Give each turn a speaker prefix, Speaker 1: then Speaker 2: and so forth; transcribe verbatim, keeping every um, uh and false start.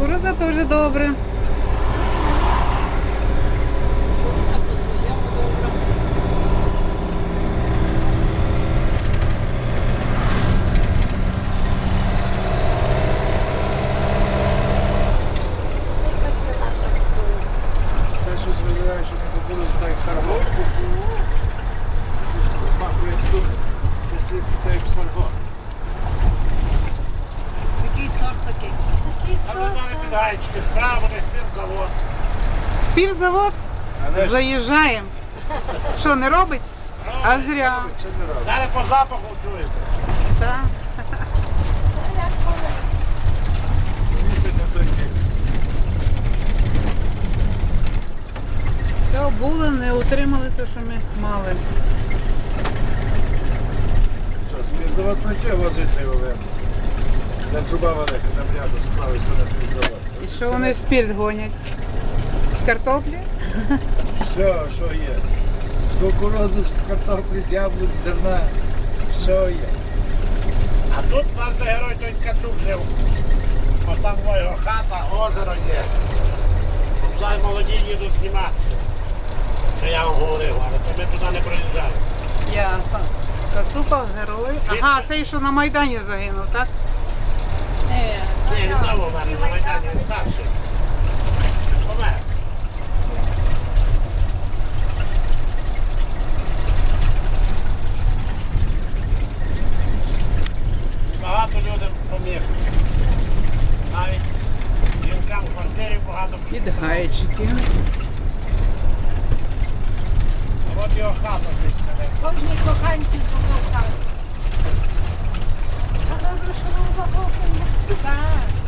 Speaker 1: Кукурудза теж добре.
Speaker 2: Це щось виглядає, що не кукурудзу, так як сарго. Щось змахує тут, мисливський, так як сарго.
Speaker 3: Який сорт такий?
Speaker 4: Такий сорт. Підгайчики, справа не спіртзавод.
Speaker 1: Співзавод?
Speaker 2: Але ж
Speaker 1: Заїжджаємо. Що, не робить? А зря.
Speaker 2: чи не робить?
Speaker 4: Далі по запаху чуєте.
Speaker 1: Так.
Speaker 2: Їздить на той бік.
Speaker 1: Все, були, не отримали те, що ми мали.
Speaker 2: Що, спіртзавод працює, возить цей Олен. Там труба велика, там рядом, з правої сторони спіртзавод.
Speaker 1: І що вони спірт гонять? З картоплі?
Speaker 2: Що, що є? З кукурудзи, з картоплі, з яблук, з зерна. Що є?
Speaker 4: А тут наш герой той Ткачук жив. Ось там його хата, озеро є. Туди молоді їдуть зніматися. Що я вам говорив, але то ми туди не проїжджали.
Speaker 1: Ясно. Кацупа, герой. Ага, цей, що на Майдані загинув, так?
Speaker 3: Ні,
Speaker 4: Ні, він знову в мене на Майдані, він старший. Помер. Багато людей поміг. Навіть жінкам в квартирі багато.
Speaker 1: Підгайчики.
Speaker 4: А от його хата звідси.
Speaker 3: кожній коханці зробив хату.
Speaker 4: А добре, що нам запахне.
Speaker 3: Так.